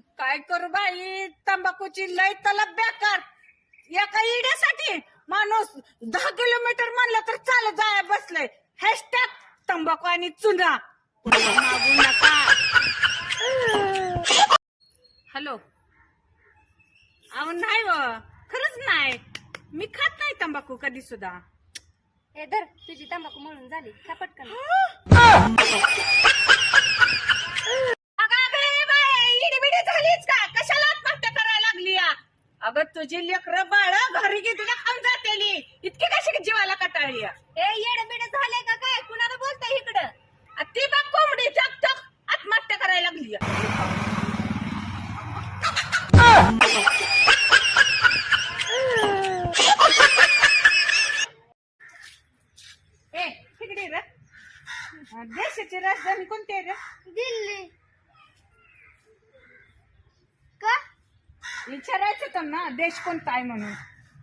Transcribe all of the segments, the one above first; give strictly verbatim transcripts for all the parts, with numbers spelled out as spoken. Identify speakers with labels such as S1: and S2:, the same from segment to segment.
S1: काय करू बाई, तंबाखूची लय तलब बेकार. एका इड्यासाठी माणूस दहा किलोमीटर म्हणलं तर चालत जाया बसलंय. हॅशटॅग तंबाखू आणि चुना. मागू नका. हॅलो. अहो नाही व, खरंच नाही. मी खात नाही तंबाखू कधी सुद्धा.
S2: हे धर, तुझी तंबाखू म्हणून झाली का पटकन.
S1: इडीबिडी झालीच का? कशाला आत्महत्या करायला लागली या? अगं तुझी लेकरं बाळ घरी घेतली खाऊन जातेली, इतकी कशी जीवाला कटाळी या?
S2: हे येडबिड झाले का काय? कुणाला बोलताय इकडं?
S1: आ ती बघ कोंबडी टक टक आत्महत्या करायला लागली या. ए तिकडे रे. देशाची राजधानी कोणती आहे रे?
S2: दिल्ली. का?
S1: विचारायचं तर ना देश कोणता आहे म्हणून.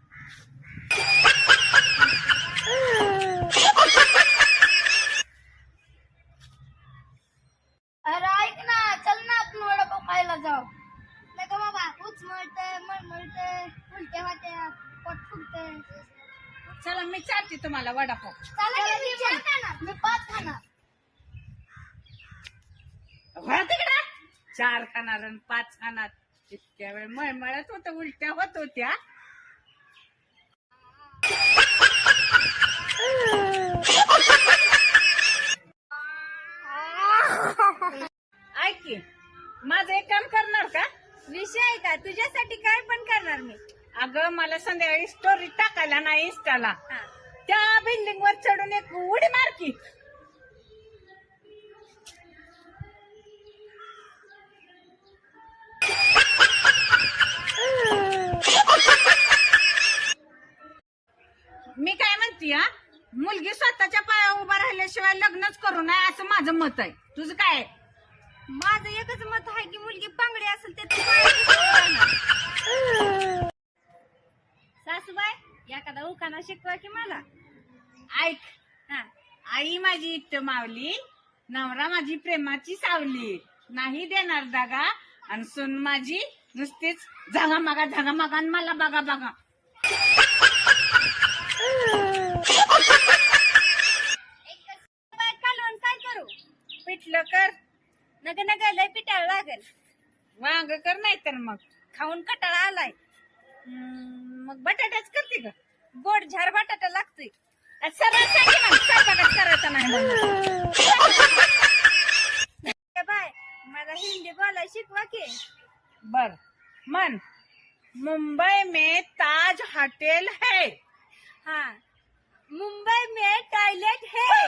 S2: अरे ऐक ना, चल ना आपण वडापाव खायला जाऊ. नाही का बाबा, उच मळतंय मळमळतंय, उलट्या होत्या, पोट फुगतंय.
S1: चला मी चालते तुम्हाला वडापाव.
S2: मी पाच खाणार.
S1: हो तिकडे चार खाणार आणि पाच खाणार. इतक्या वेळ मळमळत होत, उलट्या होत होत्या. ऐक की, माझं एक काम करणार का?
S2: विषय आहे का? तुझ्यासाठी काय पण करणार मी.
S1: अगं मला संध्याकाळी स्टोरी टाकायला नाही इंस्टाला.
S2: हा.
S1: त्या बिल्डिंग वर चढून एक उडी मार की. मी काय म्हणते, हा मुलगी स्वतःच्या पायावर उभा राहिल्याशिवाय लग्नच करू नये असं माझं मत आहे. तुझं काय आहे?
S2: माझं एकच मत आहे की मुलगी पांगडी असेल ते तू पायावर. सासूबाई एखादा उखाणा शिकवा की मला.
S1: ऐक,
S2: हा.
S1: आई माझी इष्ट मावली, नवरा माझी प्रेमाची सावली, नाही देणार दागा, आणि सून माझी नुसतीच झागा मागा झागा मागा आणि मला बघा बघा.
S2: कालवण काय करू?
S1: पिठलं कर,
S2: नग नग लय पिटाळ लागेल.
S1: वांग कर, नाही तर मग
S2: खाऊन कटाळा आलाय.
S1: हम्म, मग बटाट्याच करते का?
S2: गोड झार बटाटा लागतोय.
S1: सरळ सांगे ना, स्वयंपाकच करायचा नाही म्हणून.
S2: ए बाय, मला हिंदी बोलाय शिकवा की.
S1: बर मन. मुंबई में ताज होटल है.
S2: हा. मुंबई में टॉयलेट है.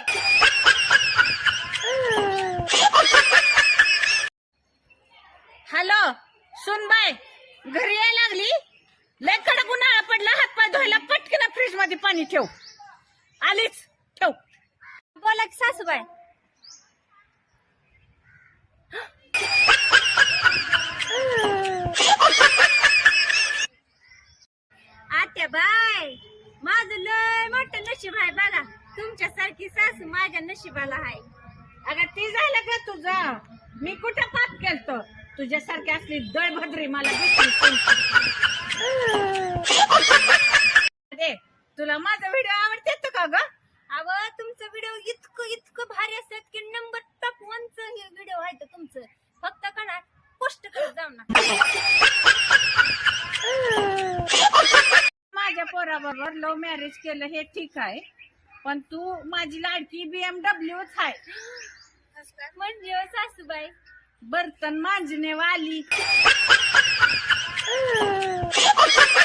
S1: हॅलो सुनबाई, घरी यायला लागली? लय कडक उन्हाळा पडला, हातपाय धुवायला पटकन फ्रीज मध्ये पाणी ठेव. आलीच, ठेव.
S2: बोला की सासूबाई. आत्या बाय, माझं लय मोठं नशीब आहे बघा. तुमच्यासारखी सासू माझ्या नशिबाला आहे.
S1: अगं ती झालं का तुझं? मी कुठं पाप केलतो? तुझ्यासारखी असली दळभद्री मला भेटली. दे, तुला माझा व्हिडिओ आवडते का ग?
S2: अव तुमचं व्हिडिओ इतकं इतकं भारी असतात की नंबर टॉप वनच हे व्हिडिओ आहे तर तुमचं. फक्त कणा पोस्ट करत जाऊ ना.
S1: माझ्या पोराबरोबर लव्ह मॅरेज केलं हे ठीक आहे, पण तू माझी लाडकी बीएमडब्ल्यूच आहे.
S2: म्हणजे हो सासूबाई,
S1: बर्तन मांजने वाली.